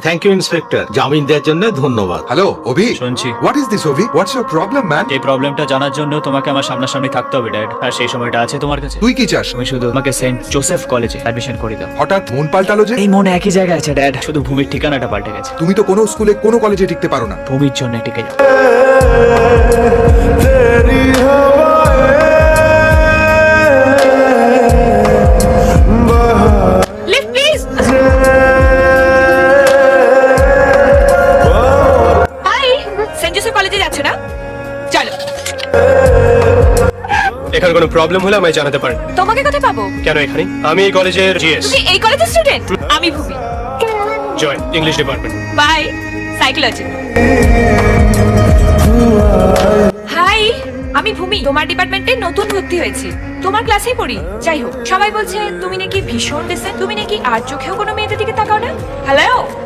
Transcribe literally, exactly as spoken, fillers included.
Thank you inspector, জামিন দেওয়ার জন্য ধন্যবাদ। হ্যালো অভি, শুনছি। What is this Abhi? What's your problem man? এই প্রবলেমটা জানার জন্য তোমাকে আমার সামনাসামনি থাকতে হবে ড্যাড, আর সেই সময়টা আছে তোমার কাছে। তুই কি চাস? তুমি শুধু আমাকে সেন্ট জোসেফ কলেজে অ্যাডমিশন করে দাও। হঠাৎ মন পাল্টালো যে? এই মনে একই জায়গায় আছে ড্যাড, শুধু ভূমির ঠিকানাটা পাল্টে গেছে। তুমি তো কোনো স্কুলে কোনো কলেজে টিকতে পারো না। ভূমির জন্য টিকে যাও। Lift please. Hi, Saint Joseph কলেজে যাচ্ছে না? চলো। এখানে কোনো প্রবলেম হলে আমায় জানাতে পারেন। তোমাকে কোথায় পাবো? কেন এখানে? আমি এই কলেজের জিএস তুমি এই কলেজের স্টুডেন্ট? আমি ভূমি। Joy, English department. বাই, সাইকোলজি। হাই, আমি ভূমি, তোমার ডিপার্টমেন্টে নতুন ভর্তি হয়েছি। তোমার ক্লাসেই পড়ি। যাই হোক, সবাই বলছে তুমি নাকি ভীষণ ডিসেন্ট, তুমি নাকি আর চোখেও কোনো মেয়েদের দিকে তাকাও না। হ্যালো।